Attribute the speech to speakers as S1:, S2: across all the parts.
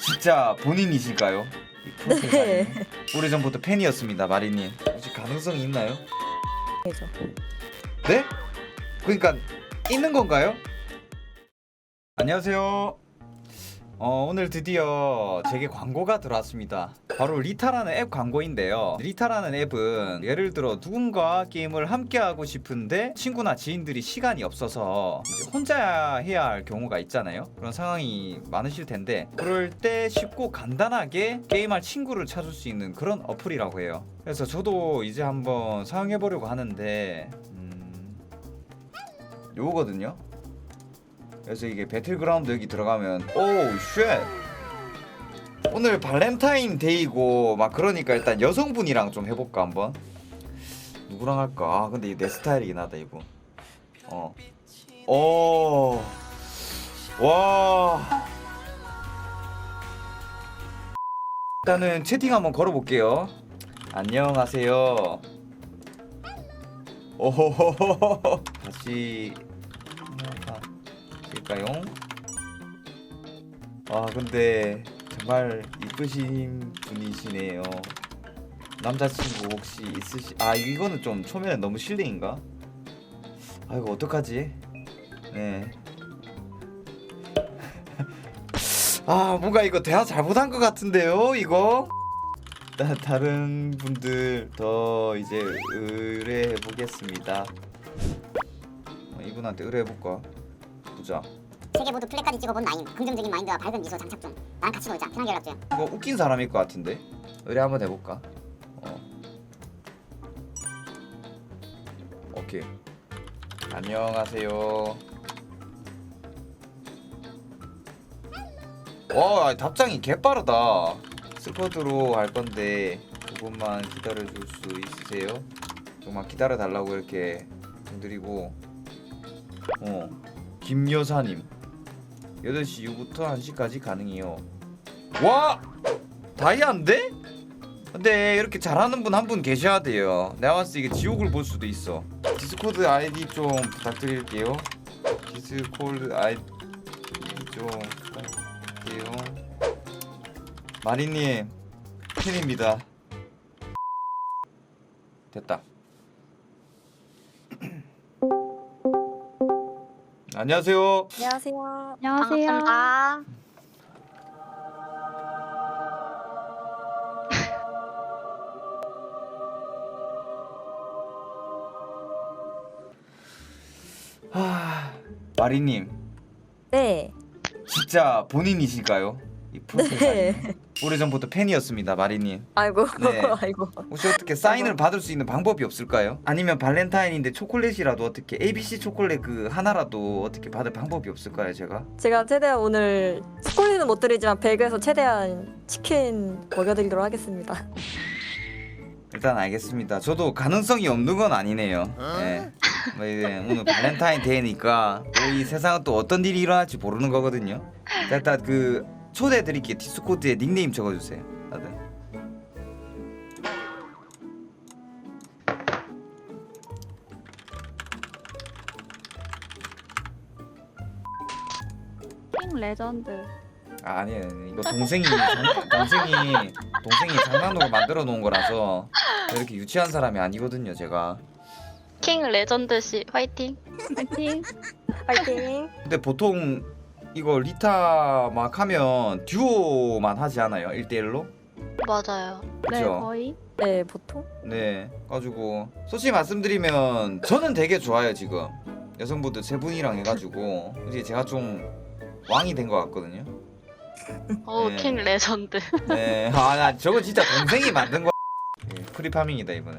S1: 진짜 본인이실까요? 이 프로필
S2: 네.
S1: 사진은? 오래전부터 팬이었습니다, 마리님. 혹시 가능성이 있나요?
S2: 그죠.
S1: 네? 그러니까 있는 건가요? 안녕하세요. 오늘 드디어 제게 광고가 들어왔습니다. 바로 리타라는 앱 광고인데요. 리타라는 앱은 예를 들어 누군가 게임을 함께 하고 싶은데 친구나 지인들이 시간이 없어서 이제 혼자 해야 할 경우가 있잖아요. 그런 상황이 많으실 텐데 그럴 때 쉽고 간단하게 게임할 친구를 찾을 수 있는 그런 어플이라고 해요. 그래서 저도 이제 한번 사용해 보려고 하는데 요거거든요. 그래서 이게 배틀그라운드 여기 들어가면 오우 쉣 오늘 발렌타인데이고 막 그러니까 일단 여성분이랑 좀 해볼까 한번. 누구랑 할까? 아 근데 이게 내 스타일이긴 하다 이거. 와 일단은 채팅 한번 걸어볼게요. 안녕하세요. 오호호호호 다시 일까요? 아 근데 정말 이쁘신 분이시네요. 남자친구 혹시 있으시? 아 이거는 좀 초면에 너무 실례인가? 아 이거 어떡하지? 네. 아 뭔가 이거 대화 잘못한 것 같은데요 이거? 다른 분들 더 이제 의뢰해 보겠습니다. 이분한테 의뢰해 볼까? 보자.
S3: 세 개 모두 플랫까지 찍어본 나임. 긍정적인 마인드와 밝은 미소 장착 중. 나랑 같이 놀자. 편하게 연락 줘.
S1: 이거 웃긴 사람일 것 같은데? 의뢰 한번 해볼까? 오케이. 안녕하세요. 와 답장이 개빠르다. 스쿼드로 할 건데 조금만 기다려줄 수 있으세요? 조금만 기다려달라고 이렇게 드리고 김여사님 8시 이후부터 1시까지 가능해요. 와! 다이아인데? 근데 이렇게 잘하는 분 한 분 계셔야 돼요. 내가 봤을 때 이게 지옥을 볼 수도 있어. 디스코드 아이디 좀 부탁드릴게요. 디스코드 아이디 좀 부탁드릴게요. 마리님 팬입니다. 됐다. 안녕하세요.
S2: 안녕하세요.
S4: 안녕하세요.
S3: 반갑습니다.
S1: 마리님
S2: 네.
S1: 진짜 본인이실까요? 이 프로필
S2: 네.
S1: 사진은? 오래전부터 팬이었습니다, 마리님.
S2: 아이고.
S1: 네.
S2: 아이고.
S1: 혹시 어떻게 사인을 받을 수 있는 방법이 없을까요? 아니면 발렌타인인데 초콜릿이라도 어떻게 ABC 초콜릿 그 하나라도 어떻게 받을 방법이 없을까요, 제가?
S2: 제가 최대한 오늘 초콜릿은 못 드리지만 배그에서 최대한 치킨 먹여드리도록 하겠습니다.
S1: 일단 알겠습니다. 저도 가능성이 없는 건 아니네요. 네. 뭐 이제 오늘 발렌타인 데이니까 또 이 세상은 또 어떤 일이 일어날지 모르는 거거든요. 자, 일단 그 초대해 드릴게요. 디스코드에 닉네임 적어주세요, 다들.
S4: 킹 레전드.
S1: 아, 아니에요. 이거 동생이 장난으로 만들어 놓은 거라서 이렇게 유치한 사람이 아니거든요, 제가.
S5: 킹 레전드 씨 화이팅.
S4: 파이팅.
S2: 파이팅.
S1: 근데 보통 이거 리타 막 하면 듀오만 하지 않아요? 1대1로?
S5: 맞아요.
S4: 네,
S1: 그죠?
S4: 거의.
S2: 네, 보통.
S1: 네. 가지고 솔직히 말씀드리면 저는 되게 좋아요, 지금. 여성분들 세 분이랑 해가지고 이제 제가 좀 왕이 된 것 같거든요.
S5: 오
S1: 네.
S5: 킹 레전드.
S1: 네. 아, 나 저거 진짜 동생이 만든 거. 네, 프리파밍이다 이번에.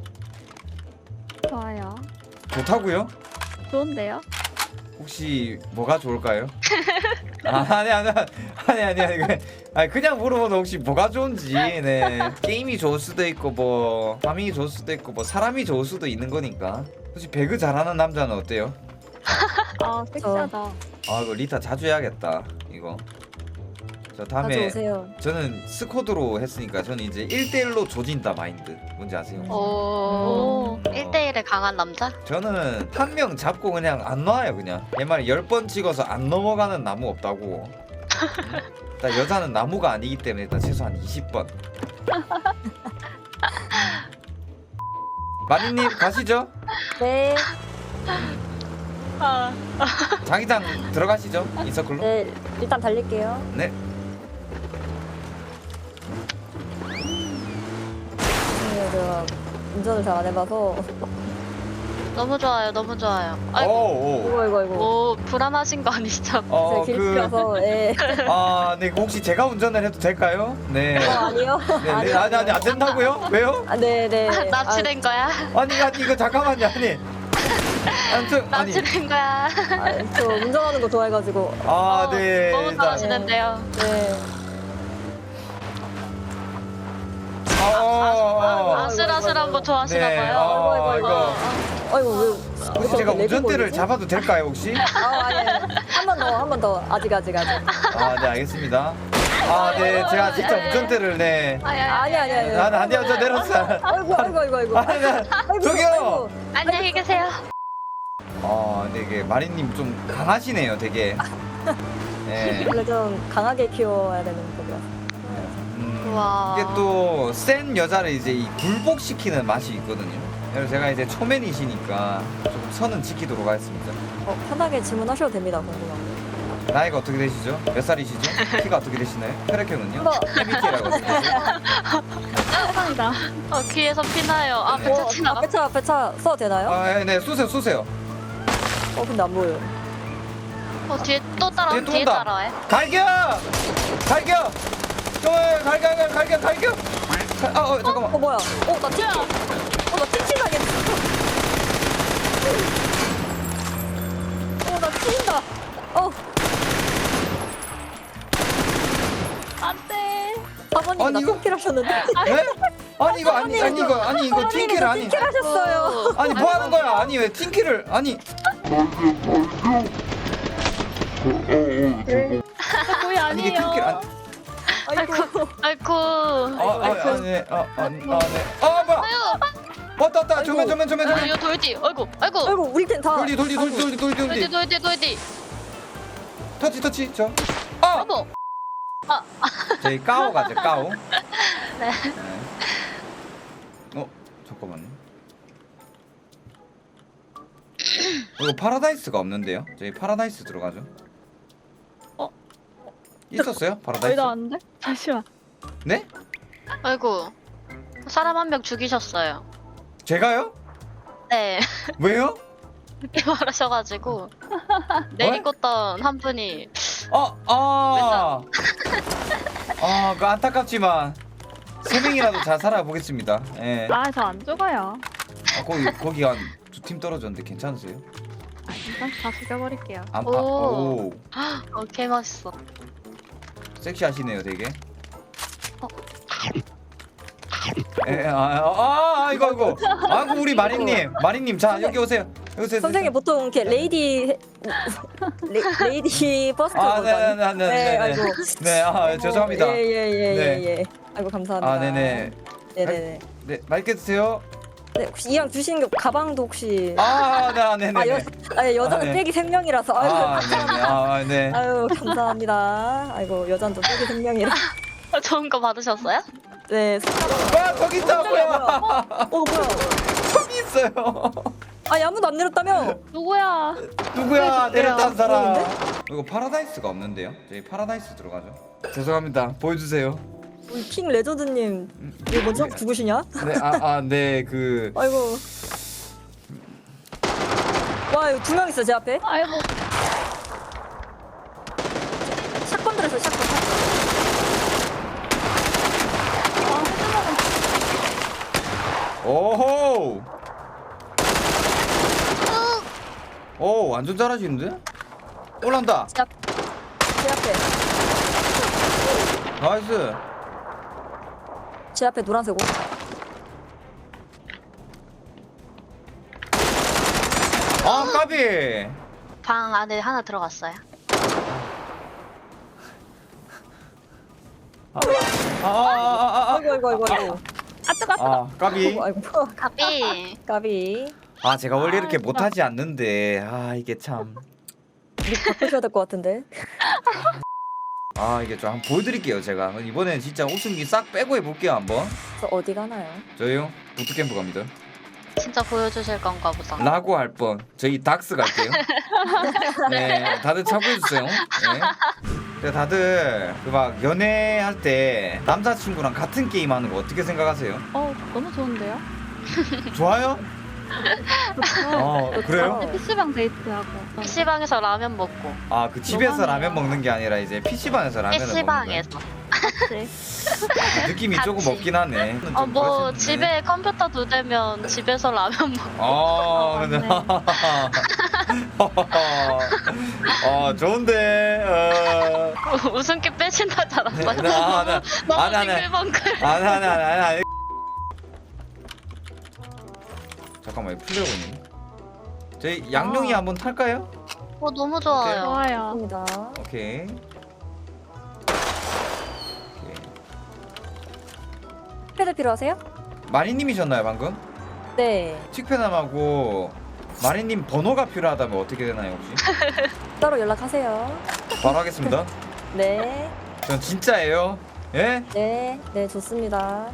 S4: 좋아요.
S1: 좋다고요?
S4: 좋은데요?
S1: 혹시 뭐가 좋을까요? 아니 그냥 물어보면 혹시 뭐가 좋은지. 네 게임이 좋을 수도 있고 뭐 파밍이 좋을 수도 있고 뭐 사람이 좋을 수도 있는 거니까. 혹시 배그 잘하는 남자는 어때요?
S4: 아, 섹시하다.
S1: 아 이거 리타 자주 해야겠다 이거. 저 다음에
S2: 가져오세요.
S1: 저는 스쿼드로 했으니까 저는 이제 1대1로 조진다 마인드 뭔지 아세요?
S5: 오.
S1: 어.
S5: 1대1에 강한 남자?
S1: 저는 한 명 잡고 그냥 안 놔요. 그냥 얘 말이 10번 찍어서 안 넘어가는 나무 없다고. 일단 여자는 나무가 아니기 때문에 일단 최소한 20번. 마리님 가시죠.
S2: 네.
S5: 아,
S1: 자기장 들어가시죠. 인서클로.
S2: 네. 일단 달릴게요.
S1: 네.
S2: 제가 운전을 잘 안 해봐서.
S5: 너무 좋아요, 너무 좋아요. 아이고,
S1: 오.
S2: 이거.
S5: 오, 불안하신 거 아니시죠?
S2: 제가
S1: 그
S2: 길치라서. 예.
S1: 네, 혹시 제가 운전을 해도 될까요? 네.
S2: 아니요.
S1: 네, 아니 안 된다고요? 왜요?
S2: 네네.
S5: 납치된 거야?
S1: 아니 이거 잠깐만요. 아니. 아무튼 아니.
S5: 납치된 거야?
S2: 저 운전하는 거 좋아해가지고.
S1: 네.
S5: 너무
S1: 일단,
S5: 잘하시는데요.
S2: 네.
S5: 아슬아슬한 거 좋아하시나
S1: 네.
S5: 봐요.
S1: 이거
S2: 아이고 왜?
S1: 혹시 제가
S2: 왜
S1: 운전대를
S2: 내비고
S1: 잡아도 될까요 혹시?
S2: 아니. 한 번 더. 아직.
S1: 네 알겠습니다. 네 제가 진짜 운전대를 네.
S2: 아니.
S1: 아니요 저 내렸어요.
S2: 아이고.
S1: 저기요.
S5: 안녕히 계세요.
S1: 근데 이게 마리님 좀 강하시네요 되게. 네.
S2: 원래 좀 강하게 키워야 되는 법이라서.
S5: 우와.
S1: 이게 또 센 여자를 이제 이 굴복시키는 맛이 있거든요. 그래서 제가 이제 초면이시니까 조금 선은 지키도록 하겠습니다.
S2: 편하게 질문하셔도 됩니다. 궁금한 거.
S1: 나이가 어떻게 되시죠? 몇 살이시죠? 키가 어떻게 되시나요? 혈액형은요?
S2: 뭐.
S1: MBTI라고 하시죠?
S4: 감사합니다.
S5: 귀에서 피나요.
S1: 네.
S5: 배차 지나가.
S2: 배차 써도 되나요?
S1: 네 쏘세요.
S2: 근데 안 보여요.
S5: 뒤에 또 따라.
S1: 뒤에 또
S5: 뒤에
S1: 온다.
S5: 따라해.
S1: 갈겨! 갈겨! 잠깐만.
S2: 뭐야? 나 튀기. 나 튀기하겠어. 나 튀긴다.
S4: 안돼.
S2: 사모님
S1: 아니,
S2: 나
S1: 이거-
S2: 튀기를 하셨는데.
S1: 네? 아니 이거 팅키를 아니.
S2: 튀기를 하셨어요.
S1: 아니 뭐 하는 거야? 아니 왜 팅키를 아니
S4: 그게
S1: 이게
S4: 아니에요.
S1: 팅키를 아니
S5: 아이고.
S1: 네. 뭐야? 왔다. 조면.
S5: 이거 돌디. 아이고.
S2: 아이고 우리 팀다.
S1: 돌디.
S5: 돌디.
S1: 터치 저.
S5: 어머.
S1: 저희 까오 가죠 까오.
S5: 네.
S1: 잠깐만요. 이거 파라다이스가 없는데요? 저희 파라다이스 들어가죠. 있었어요? 파라다이스?
S4: 거의 다 왔는데? 잠시만.
S1: 네?
S5: 아이고. 사람 한 명 죽이셨어요.
S1: 제가요?
S5: 네.
S1: 왜요?
S5: 늦게 말하셔가지고 내리꽂던 한 분이
S1: 그 안타깝지만 세 명이라도 잘 살아보겠습니다. 예.
S4: 저 안 죽어요.
S1: 거기 한 두 팀 떨어졌는데 괜찮으세요?
S4: 일단 다 죽여버릴게요.
S5: 오. 개 멋있어.
S1: 섹시하시네요, 되게. 이거. 아이고 우리 마리님, 자 여기 오세요.
S2: 선생님 보통 이렇게 레이디 퍼스트
S1: 네.
S2: 아이고.
S1: 네, 죄송합니다.
S2: 예. 아이고 감사합니다.
S1: 네네.
S2: 네네네.
S1: 네, 맛있게 드세요.
S2: 네, 혹시 이왕 주시는 게 가방도 혹시
S1: 네네.
S2: 여자는
S1: 네.
S2: 빼기 생명이라서
S1: 네네. 네.
S2: 아유 감사합니다. 아이고 여자는 또 빼기 생명이라.
S5: 좋은 거 받으셨어요?
S2: 네.
S1: 와, 거기 있다, 뭐야?
S2: 뭐야?
S1: 저기 있어요.
S2: 아무도 안 내렸다며?
S4: 누구야?
S1: 누구야 내렸단 사람? 이거 파라다이스가 없는데요? 저희 파라다이스 들어가죠. 죄송합니다. 보여주세요.
S2: 우리 킹 레전드님 이거 먼저 죽으시냐?
S1: 네, 그
S2: 아이고. 와 이거 2명 있어 제 앞에.
S4: 아이고.
S2: 샷건 들었어 샷건.
S1: 오호. 오, 완전 잘하시는데? 올라온다.
S2: 제 앞에.
S1: 나이스.
S2: 제 앞에 노란색 옷.
S1: 까비.
S5: 방 안에 하나 들어갔어요.
S2: 아이고.
S1: 까비.
S2: 아이고.
S5: 가비.
S2: 까비.
S1: 제가 원래 이렇게 못하지 않는데 이게 참.
S2: 닉 바꾸셔야 될 것 같은데.
S1: 아 이게 좀 한번 보여드릴게요. 제가 이번엔 진짜 웃음기 싹 빼고 해볼게요 한번.
S2: 저 어디 가나요?
S1: 저희요 부트캠프 갑니다.
S5: 진짜 보여주실 건가 보다.
S1: 라고 할 뻔. 저희 닥스 갈게요. 네, 다들 참고해주세요. 네. 근데 다들 그 막 연애할 때 남자친구랑 같은 게임 하는 거 어떻게 생각하세요?
S4: 너무 좋은데요?
S1: 좋아요?
S2: 좋죠.
S1: 그래요?
S2: 좋죠.
S4: PC방 데이트하고.
S5: PC방에서 라면 먹고.
S1: 아 그 집에서
S4: 로망이야.
S1: 라면 먹는 게 아니라 이제 PC방에서 라면을 먹는 거예요.
S5: PC방에서.
S4: 네.
S1: 느낌이 조금
S5: 같이.
S1: 없긴 하네. 좀
S5: 뭐
S1: 그러시네.
S5: 집에 컴퓨터 2대면 집에서 라면 먹고.
S1: 근데 좋은데.
S5: 웃음기 빼신다지 않았어요?
S1: 네,
S5: 너무
S1: 안 하네.
S5: 싱글벙글.
S1: 아니. 잠깐만 이거 플레어군님. 저희 양룡이 한번 탈까요?
S5: 너무 좋아요.
S4: 좋아요.
S2: 입니다.
S1: 오케이.
S2: 패드 필요하세요?
S1: 마리님이셨나요 방금?
S2: 네.
S1: 칙패남하고 마리님 번호가 필요하다면 어떻게 되나요 혹시?
S2: 따로 연락하세요.
S1: 바로 하겠습니다.
S2: 네.
S1: 전 진짜예요. 예?
S2: 네. 네, 좋습니다.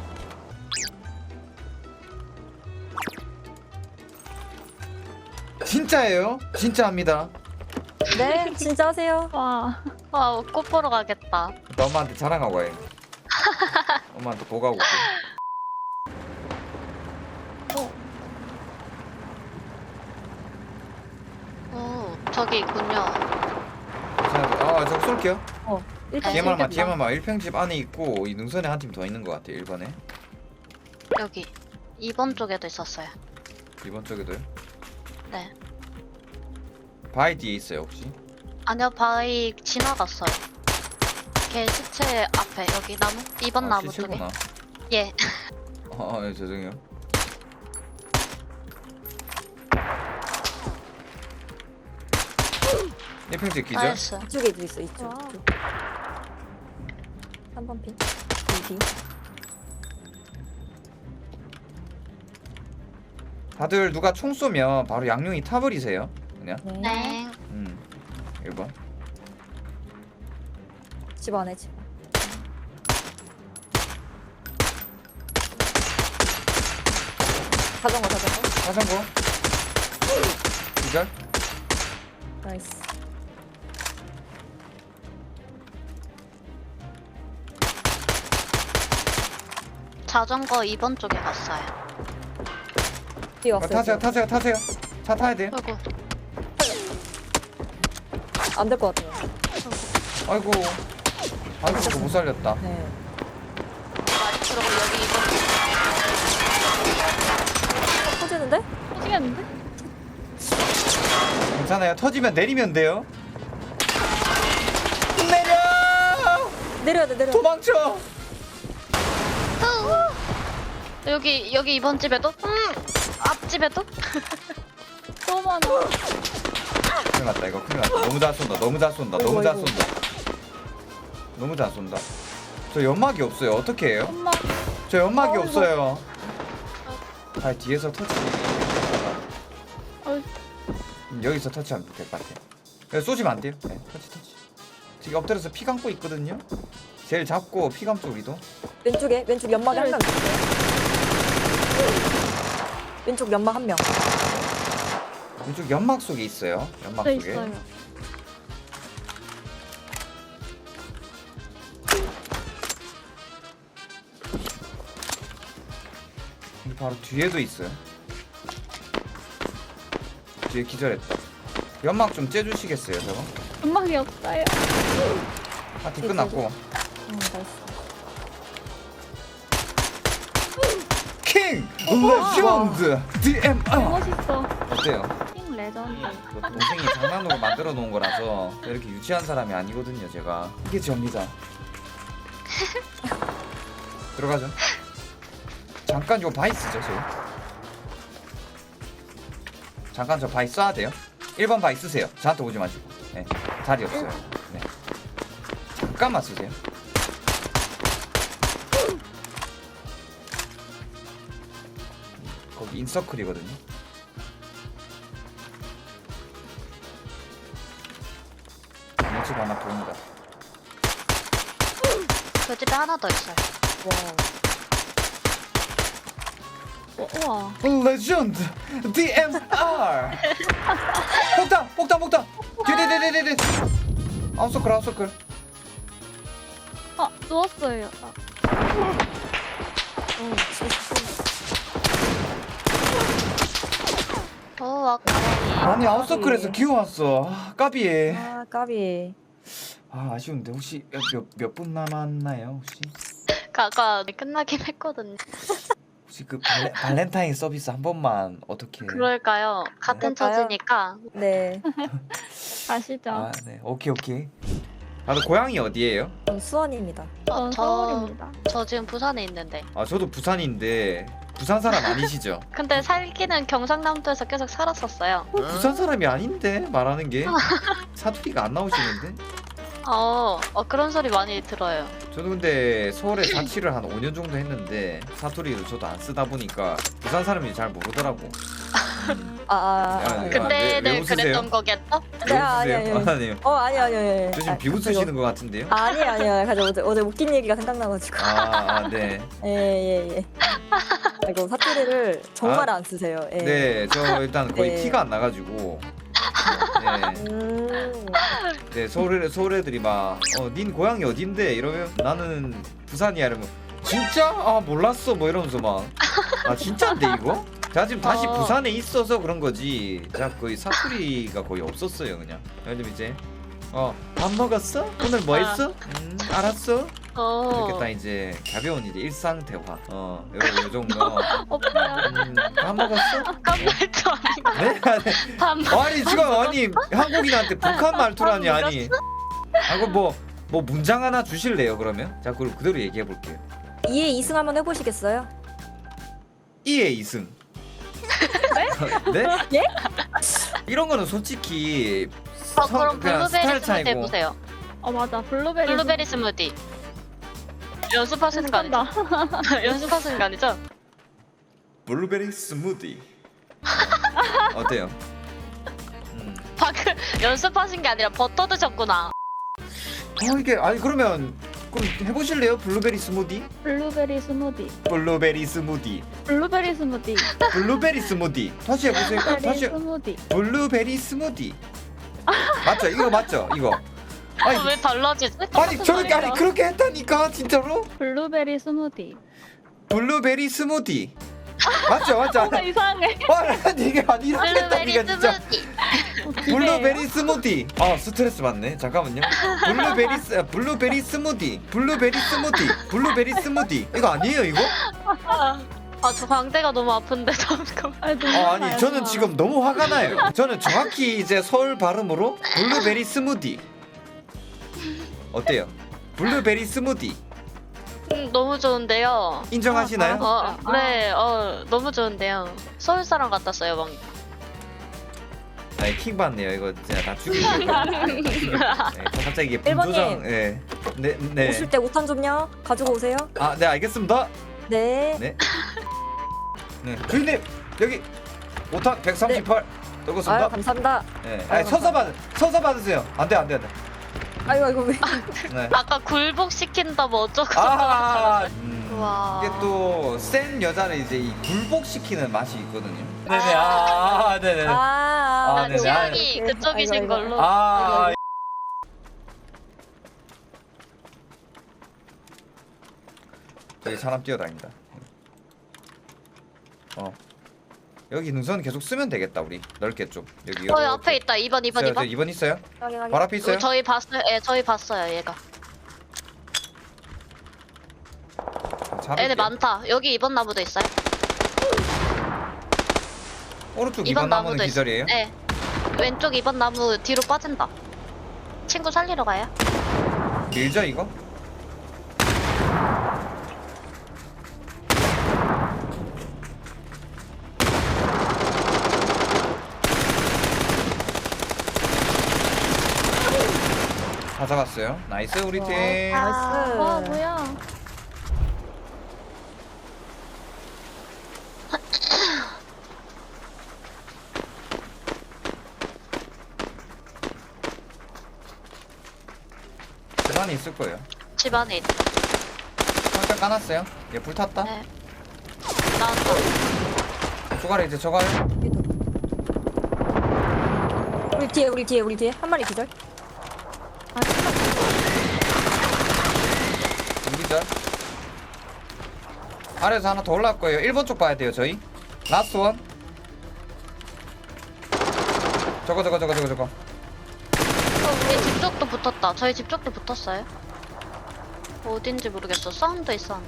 S1: 진짜예요? 진짜 합니다.
S2: 네, 진짜 하세요.
S4: 와.
S5: 와, 꽃 보러 가겠다.
S1: 나 엄마한테 자랑하고 와요. 엄마한테 보고하고 올게.
S5: 저기 있군요.
S1: 저 쏠게요.
S2: 일단
S1: DMR만
S2: 쏠겠다.
S1: DMR만 1평집 안에 있고 이 능선에 한 팀 더 있는 것 같아요. 1번에.
S5: 여기 2번 쪽에도 있었어요.
S1: 2번 쪽에도요.
S5: 네.
S1: 바위 뒤에 있어요 혹시?
S5: 아니요, 바위 지나갔어요. 걔 시체 앞에 여기 나무? 2번 나무 쪽에.
S1: 시체구나.
S5: 예.
S1: 예, 죄송해요. 이 평집 기절?
S5: 나이스.
S2: 이쪽에도 있어, 이쪽.
S4: 와.
S2: 3번 핀. 2비.
S1: 다들 누가 총 쏘면 바로 양용이 타버리세요. 그냥.
S2: 네.
S5: 네.
S1: 1번.
S2: 집 안에 집. 자전거.
S1: 화상고. 기절?
S2: 나이스.
S5: 자전거 2번 쪽에 갔어요.
S2: 뛰어왔어요.
S1: 타세요. 차 타야 돼요.
S5: 아이고.
S2: 안될 것 같아요.
S1: 아이고 그거 못 살렸다.
S2: 네.
S5: 그리고 여기 2번
S2: 터지는데?
S4: 터지겠는데?
S1: 괜찮아요. 터지면 내리면 돼요.
S2: 내려야 돼.
S1: 도망쳐.
S5: 여기 2번 집에도? 앞집에도?
S4: 너무 많아.
S1: 큰일 났다 이거 큰일 났다. 너무 잘 쏜다.
S2: 어이구.
S1: 너무 잘 쏜다. 저 연막이 없어요. 어떻게 해요?
S4: 엄마.
S1: 저 연막이
S4: 어이구.
S1: 없어요. 아 뒤에서 터치. 여기서 터치하면 될 것 같아. 쏘시면 안 돼요. 네, 터치. 지금 엎드려서 피 감고 있거든요. 제일 잡고 피 감죠 우리도.
S2: 왼쪽 연막에 한 명. 왼쪽 연막 한 명.
S1: 왼쪽 연막 속에 있어요. 연막
S4: 네,
S1: 속에.
S4: 있어요.
S1: 여기 바로 뒤에도 있어요. 뒤에 기절했다. 연막 좀 째주시겠어요, 저거?
S4: 음악이 없어요.
S1: 파티 끝났고.
S2: 나이스.
S1: 킹! 레전드! DMR!
S4: 멋있어.
S1: 어때요?
S4: 팀 레전드.
S1: 그 동생이 장난으로 만들어 놓은 거라서 이렇게 유치한 사람이 아니거든요, 제가. 이게 접니다. 들어가죠. 잠깐 요 바이 쓰죠, 저. 잠깐 저 바이 써야 돼요. 1번 바이 쓰세요. 저한테 오지 마시고. 네, 자리 없어요. 네. 잠깐만 쓰세요. 거기 인서클이거든요. 집 하나 보입니다.
S5: 그 집에 하나 더 있어요.
S4: 우와.
S1: 레전드 DMR. 폭탄. 뒤. 아웃서클.
S4: 아, 누웠어요.
S5: 아까리.
S1: 아니 아웃서클에서 기어왔어. 까비.
S2: 아 까비.
S1: 아쉬운데 혹시 몇 분 남았나요 혹시?
S5: 아까 끝나긴 했거든요.
S1: 혹시 그 발렌타인 서비스 한 번만 어떻게?
S5: 그럴까요? 같은
S2: 그럴까요?
S5: 처지니까.
S2: 네.
S4: 가시죠.
S1: 아, 네. 오케이. 아, 고향이 어디예요?
S2: 전 수원입니다.
S4: 전 서울입니다.
S5: 저 지금 부산에 있는데.
S1: 아, 저도 부산인데 부산 사람 아니시죠?
S5: 근데 살기는 경상남도에서 계속 살았었어요.
S1: 부산 사람이 아닌데 말하는 게 사투리가 안 나오시는데?
S5: 그런 소리 많이 들어요.
S1: 저도 근데 서울에 자취를 한 5년 정도 했는데 사투리를 저도 안 쓰다 보니까 부산 사람이 잘 모르더라고.
S2: 네.
S5: 그때는
S1: 왜 웃으세요?
S5: 그랬던 거겠죠?
S2: 네, 아니에요.
S1: 아니요.
S2: 아니요.
S1: 저 지금 비웃으시는 것 같은데요?
S2: 아니에요. 가지고 어제 웃긴 얘기가 생각나가지고.
S1: 네.
S2: 예. 이거 사투리를 정말 안 쓰세요. 예.
S1: 네, 저 일단 거의
S2: 네.
S1: 티가 안 나가지고. 네, 서울 애들이 막, 닌 고향이 어딘데? 이러면 나는 부산이야. 이러면 진짜? 아, 몰랐어. 뭐 이러면서 막. 아, 진짜인데 이거? 제가 지금 다시 부산에 있어서 그런 거지. 제가 거의 사투리가 거의 없었어요, 그냥. 예를 들면 이제, 밥 먹었어? 오늘 뭐 했어? 알았어. 이렇게 딱 이제 가벼운 이제 일상 대화. 요 정도.
S4: 없어요.
S1: 밥 먹었어?
S5: 깜짝도 아니고.
S1: 네? 아니 지금 한국인한테 북한 말투라니 아니. 그럼 뭐 문장 하나 주실래요 그러면? 자 그럼 그대로 얘기해 볼게요.
S2: 2에 2승 한번 해보시겠어요?
S1: 2에 2승. 네?
S2: 예?
S1: 이런 거는 솔직히
S5: 그럼
S1: 그냥
S5: 블루베리
S1: 스타일
S5: 스무디
S1: 차이고.
S5: 해보세요.
S4: 맞아. 블루베리
S5: 스무디. 연습하시는 거 아니죠? 연습하시는 거 아니죠?
S1: 블루베리 스무디. 어때요?
S5: 방금 연습하신 게 아니라 버터 드셨구나.
S1: 이게 아니 그럼 해보실래요? 블루베리 스무디?
S4: 블루베리 스무디.
S1: 블루베리 스무디.
S4: 블루베리 스무디.
S1: 블루베리 스무디. 다시 해보세요.
S4: 블루베리
S1: 다시.
S4: 스무디.
S1: 블루베리 스무디. 맞죠? 이거 맞죠? 이거. 아니,
S5: 왜 달라지지?
S1: 아니 그렇게 했다니까 진짜로?
S4: 블루베리 스무디.
S1: 블루베리 스무디. 맞죠?
S4: 뭔가 이상해.
S1: 아니 이게 아니 이렇게
S5: 블루베리
S1: 했다니까 진짜.
S5: 스무디.
S1: 블루베리 스무디. 스트레스 받네. 잠깐만요. 블루베리 스무디. 블루베리 스무디. 이거 아니에요 이거?
S5: 저 광대가 너무 아픈데 잠깐만.
S1: 아니 저는 지금 너무 화가 나요. 저는 정확히 이제 서울 발음으로 블루베리 스무디. 어때요? 블루베리 스무디.
S5: 너무 좋은데요.
S1: 인정하시나요?
S5: 네, 너무 좋은데요. 서울 사람 같았어요, 방.
S1: 아니 킹 받네요. 이거 진짜 다 죽이고. 갑자기 이게 분조장. 네.
S2: 오실 때 5탄 좀요. 가지고 오세요.
S1: 네 알겠습니다.
S2: 네.
S1: 네. 주인님 여기 5탄 138 떨궜습니다.
S2: 아유 감사합니다.
S1: 네.
S2: 아유,
S1: 서서 받으세요. 안돼.
S2: 아이고 왜?
S1: 네.
S5: 아까 굴복 시킨다 뭐 어쩌고.
S1: 우와.
S5: 와.
S1: 이게 또 센 여자를 이제 이 굴복시키는 맛이 있거든요. 네네. 네네. 네네.
S5: 취향이 그쪽이신
S2: 아이고.
S5: 걸로.
S1: 여기 사람 뛰어다닌다. 여기 능선 계속 쓰면 되겠다 우리 넓게 좀 여기.
S5: 앞에 있다. 2번.
S1: 2번 있어요? 바로 앞에 있어요?
S5: 저희 봤어요. 저희 봤어요. 얘가. 애들 많다. 여기 2번 나무도 있어요.
S1: 오른쪽
S5: 2번
S1: 2번 나무는 기절이에요?
S5: 네. 왼쪽 2번 나무 뒤로 빠진다. 친구 살리러 가요?
S1: 밀죠 이거? 다 잡았어요. 나이스 우리 팀.
S2: 나이스.
S4: 뭐야?
S1: 집 안에 있을 거예요.
S5: 집 안에 있다.
S1: 기절 까놨어요. 얘 불 탔다.
S5: 네. 나왔다.
S1: 조가래 이제 저가래.
S2: 우리 뒤에 한 마리 기절.
S4: 아 진짜.
S1: 기절. 아래에서 하나 더 올라올 거예요. 1번 쪽 봐야 돼요 저희. 라스트 원. 저거.
S5: 우리 집 쪽도 붙었다. 저희 집 쪽도 붙었어요. 어딘지 모르겠어. 사운드 있었는데.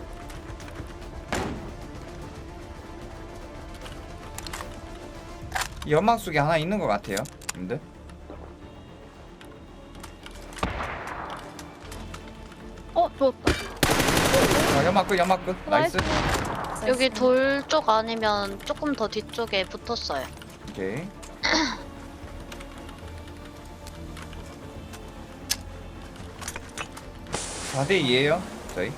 S1: 연막 속에 하나 있는 것 같아요. 근데
S4: 좋았다.
S1: 연막 끝. 나이스.
S5: 여기 돌 쪽 아니면 조금 더 뒤쪽에 붙었어요.
S1: 오케이. (4대 2에요) 저희.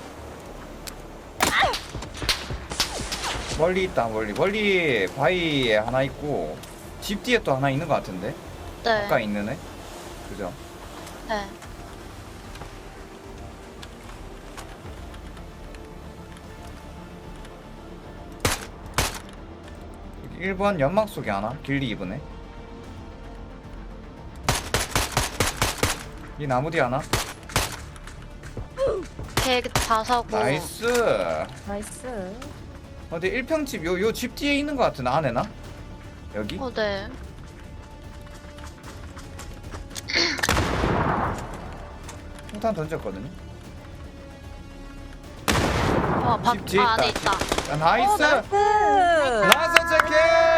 S1: 멀리 있다. 멀리 바위에 하나 있고 집 뒤에 또 하나 있는 것 같은데.
S5: 네.
S1: 가까이 있는 애. 그죠?
S5: 네.
S1: 여기 1번 연막 속에 하나 길리 입으네. 이 나무 뒤에 하나.
S5: 걔 자사고.
S1: 나이스.
S2: 나이스.
S1: 근데 1평집 요 집 뒤에 있는 것 같은 안에나? 여기?
S5: 네.
S1: 폭탄 던졌거든요.
S5: 밥
S1: 집 뒤에
S5: 안에
S1: 있다.
S5: 있다.
S1: 아, 나이스.
S2: 나이스.
S1: 나이스 체킹.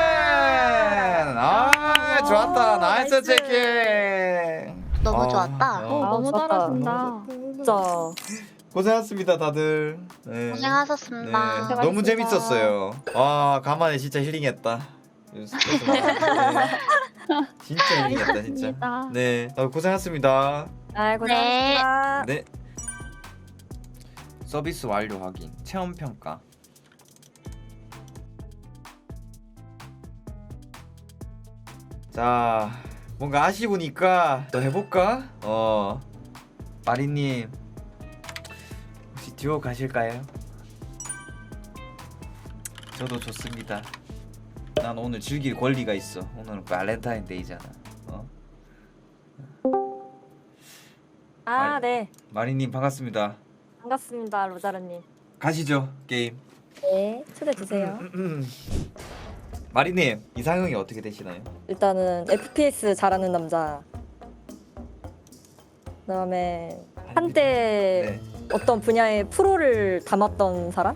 S1: 아 좋았다. 나이스
S2: 나이스.
S1: 체킹.
S5: 너무
S1: 아,
S5: 좋았다.
S4: 너무
S2: 좋았다.
S4: 잘하신다.
S2: 진짜.
S1: 고생하셨습니다 다들. 네.
S5: 고생하셨습니다.
S1: 네, 너무 재밌었어요. 와 간만에 진짜 힐링했다. 네. 진짜 힐링했다 진짜.
S4: 감사합니다.
S1: 네 고생하셨습니다.
S2: 아, 고생하셨습니다.
S1: 네. 서비스 완료 확인. 체험 평가. 자, 뭔가 아쉬우니까 더 해볼까? 마리님 혹시 듀오 가실까요? 저도 좋습니다. 난 오늘 즐길 권리가 있어. 오늘은 발렌타인데이잖아.
S2: 아, 네.
S1: 마리님 반갑습니다.
S2: 반갑습니다, 로자르님.
S1: 가시죠 게임.
S2: 네, 초대 주세요.
S1: 마리님 이상형이 어떻게 되시나요?
S2: 일단은 FPS 잘하는 남자. 그다음에 한때
S1: 네.
S2: 어떤 분야의 프로를 담았던 사람?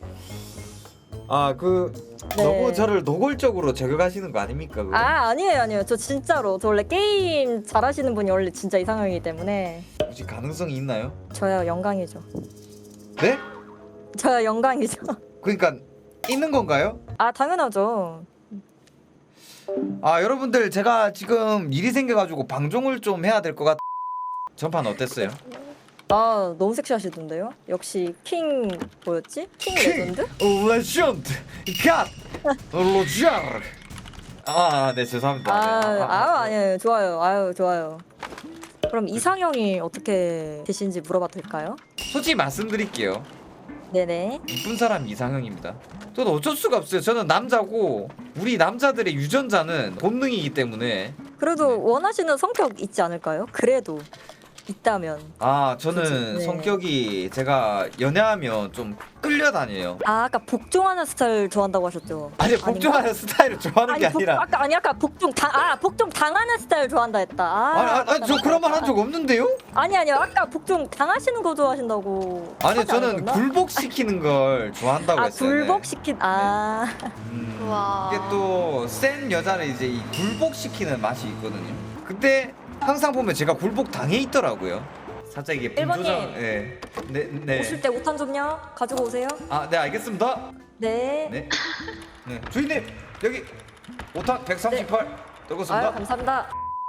S1: 네.
S2: 네.
S1: 너무 저를 노골적으로 저격하시는 거 아닙니까? 그거?
S2: 아니에요. 저 진짜로. 저 원래 게임 잘하시는 분이 원래 진짜 이상형이기 때문에
S1: 혹시 가능성이 있나요?
S2: 저야 영광이죠.
S1: 네?
S2: 저야 영광이죠.
S1: 그러니까 있는 건가요?
S2: 아, 당연하죠.
S1: 여러분들 제가 지금 일이 생겨가지고 방종을 좀 해야 될 것 같. 전판 어땠어요?
S2: 아, 너무 섹시하시던데요? 역시 킹 뭐였지? 킹 레전드?
S1: 레전드 갓 로지아르. 네 죄송합니다.
S2: 아니에요. 좋아요. 아유, 좋아요. 그럼 이상형이 어떻게 되시는지 물어봐도 될까요?
S1: 솔직히 말씀드릴게요.
S2: 네네.
S1: 이쁜 사람 이상형입니다. 저는 어쩔 수가 없어요. 저는 남자고 우리 남자들의 유전자는 본능이기 때문에.
S2: 그래도 원하시는 성격 있지 않을까요? 그래도 있다면.
S1: 저는
S2: 그치, 네.
S1: 성격이 제가 연애하면 좀 끌려다녀요.
S2: 아까 복종하는 스타일 좋아한다고 하셨죠?
S1: 아니 복종하는 스타일을 좋아하는 게 아니라.
S2: 아까 복종 당하는 스타일 좋아한다 했다.
S1: 저 그런 말 한 적 없는데요?
S2: 아니요. 아까 복종 당하시는 거 좋아하신다고.
S1: 아니
S2: 하지
S1: 저는
S2: 않으셨나?
S1: 굴복시키는 걸 좋아한다고 했어요.
S2: 굴복시킨.
S5: 우와.
S1: 이게 또 센 여자는 이제 이 굴복시키는 맛이 있거든요. 근데 항상 보면 제가 굴복 당해 있더라고요. 살짝 이게
S2: 일본님.
S1: 네.
S2: 오실 때 5탄 좀요. 가지고 오세요.
S1: 네 알겠습니다.
S2: 네.
S1: 네. 주인님 여기 5탄 138 들고
S2: 아유,
S1: 있습니다.
S2: 감사합니다.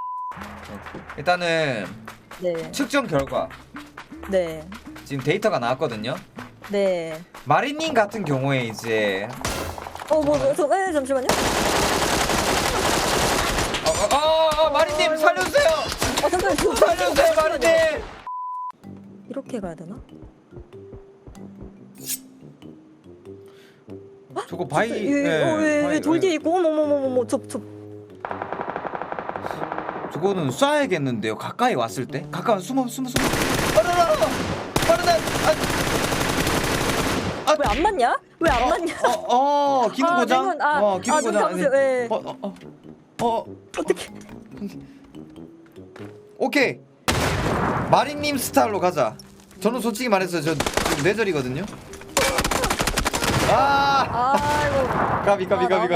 S1: 일단은
S2: 네.
S1: 측정 결과
S2: 네.
S1: 지금 데이터가 나왔거든요.
S2: 네.
S1: 마리님 같은 경우에 이제
S2: 잠시만요.
S1: 마리님 살려주세요.
S2: 잠깐만.
S1: 살려주세요 마리님.
S2: 이렇게 가야 되나?
S1: 저거 바위
S2: 왜 돌 뒤에 있고 어머머머머 저
S1: 저거는 쏴야겠는데요. 가까이 왔을 때. 가까이 숨어. 빠르다.
S2: 왜 안 맞냐? 왜 안 맞냐?
S1: 기능 고장. 기능
S2: 눈
S1: 고장.
S2: 감으세요. 예.
S1: 어떻게? 오케이. 마린님 스타일로 가자. 저는 솔직히 말해서 저 지금 뇌절이거든요.
S2: 아이고.
S1: 까비.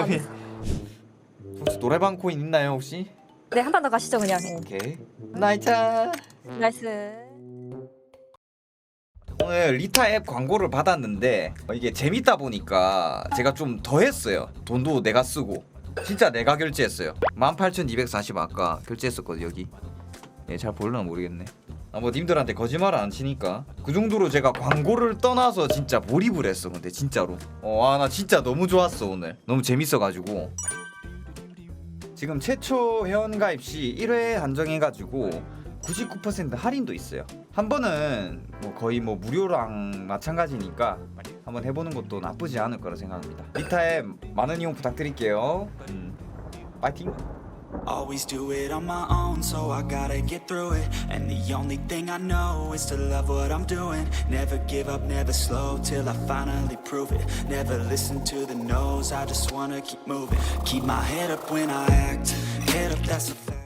S1: 혹시 노래방 코인 있나요 혹시?
S2: 네, 한 번 더 가시죠 그냥.
S1: 오케이. 나이차.
S2: 나이스.
S1: 오늘 리타 앱 광고를 받았는데 이게 재밌다 보니까 제가 좀 더 했어요. 돈도 내가 쓰고 진짜 내가 결제했어요. 18,240 아까 결제했었거든 여기. 잘 보려나 모르겠네. 뭐 님들한테 거짓말 안 치니까 그 정도로 제가 광고를 떠나서 진짜 몰입을 했어. 근데 진짜로 나 진짜 너무 좋았어. 오늘 너무 재밌어가지고 지금 최초 회원가입 시 1회 한정해가지고 99% 할인도 있어요. 한 번은 뭐 거의 뭐 무료랑 마찬가지니까 한번 해보는 것도 나쁘지 않을 거라 생각합니다. 리타앱 많은 이용 부탁드릴게요. 파이팅!
S6: Always do it on my own, so I gotta get through it. And the only thing I know is to love what I'm doing. Never give up, never slow, till I finally prove it. Never listen to the no's, I just wanna keep moving. Keep my head up when I act, head up, that's a fact.